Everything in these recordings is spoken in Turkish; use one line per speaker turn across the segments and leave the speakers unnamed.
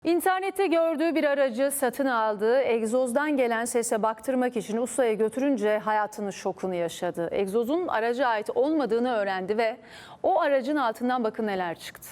İnternette gördüğü bir aracı satın aldı. Egzozdan gelen sese baktırmak için ustaya götürünce hayatının şokunu yaşadı. Egzozun araca ait olmadığını öğrendi ve o aracın altından bakın neler çıktı.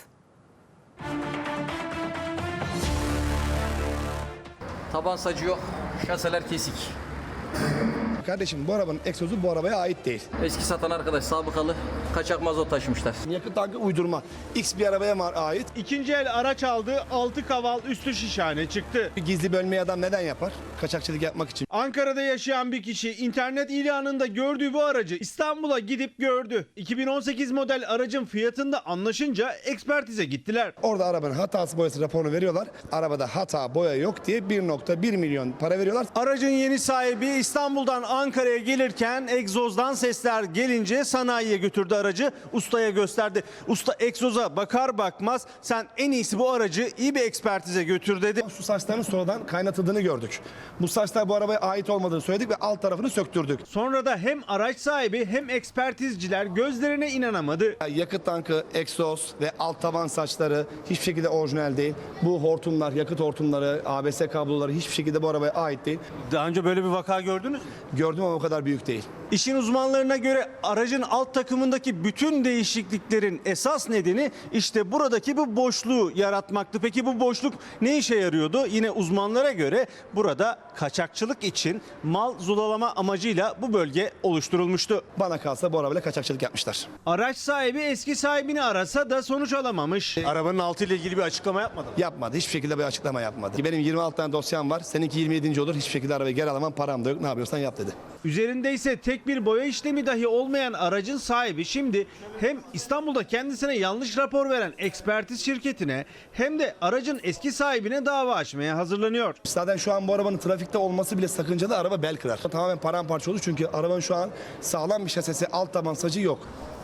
Taban sacı yok, şaseler kesik.
Kardeşim bu arabanın egzozu bu arabaya ait değil.
Eski satan arkadaş sabıkalı kaçak mazot taşımışlar.
Yakıt tankı uydurma. X bir arabaya ait.
İkinci el araç aldı, 6 kaval üstü şişhane çıktı.
Bir gizli bölmeyi adam neden yapar? Kaçakçılık yapmak için.
Ankara'da yaşayan bir kişi internet ilanında gördüğü bu aracı İstanbul'a gidip gördü. 2018 model aracın fiyatında anlaşınca ekspertize gittiler.
Orada arabanın hatası boyası raporunu veriyorlar. Arabada hata boya yok diye 1,1 milyon para veriyorlar.
Aracın yeni sahibi İstanbul'dan Ankara'ya gelirken egzozdan sesler gelince sanayiye götürdü aracı. Ustaya gösterdi. Usta egzoza bakar bakmaz sen en iyisi bu aracı iyi bir ekspertize götür dedi.
Su saçlarının sonradan kaynatıldığını gördük. Bu saçlar bu arabaya ait olmadığını söyledik ve alt tarafını söktürdük.
Sonra da hem araç sahibi hem ekspertizciler gözlerine inanamadı.
Yakıt tankı, egzoz ve alt taban saçları hiçbir şekilde orijinal değil. Bu hortumlar, yakıt hortumları, ABS kabloları hiçbir şekilde bu arabaya ait değil.
Daha önce böyle bir vaka gördünüz mü?
Gördüm ama o kadar büyük değil.
İşin uzmanlarına göre aracın alt takımındaki bütün değişikliklerin esas nedeni işte buradaki bu boşluğu yaratmaktı. Peki bu boşluk ne işe yarıyordu? Yine uzmanlara göre burada kaçakçılık için mal zulalama amacıyla bu bölge oluşturulmuştu.
Bana kalsa bu arabayla kaçakçılık yapmışlar.
Araç sahibi eski sahibini arasa da sonuç alamamış. Arabanın altıyla ilgili bir açıklama yapmadı mı?
Yapmadı. Hiçbir şekilde bir açıklama yapmadı. Benim 26 tane dosyam var. Seninki 27. olur. Hiçbir şekilde arabayı geri alamam. Param da yok. Ne yapıyorsan yap dedi.
Üzerinde ise tek bir boya işlemi dahi olmayan aracın sahibi şimdi hem İstanbul'da kendisine yanlış rapor veren ekspertiz şirketine hem de aracın eski sahibine dava açmaya hazırlanıyor.
Zaten şu an bu arabanın trafikte olması bile sakıncalı. Araba bel kırar. Tamamen paramparça olur çünkü arabanın şu an sağlam bir şasisi, alt taban sacı yok.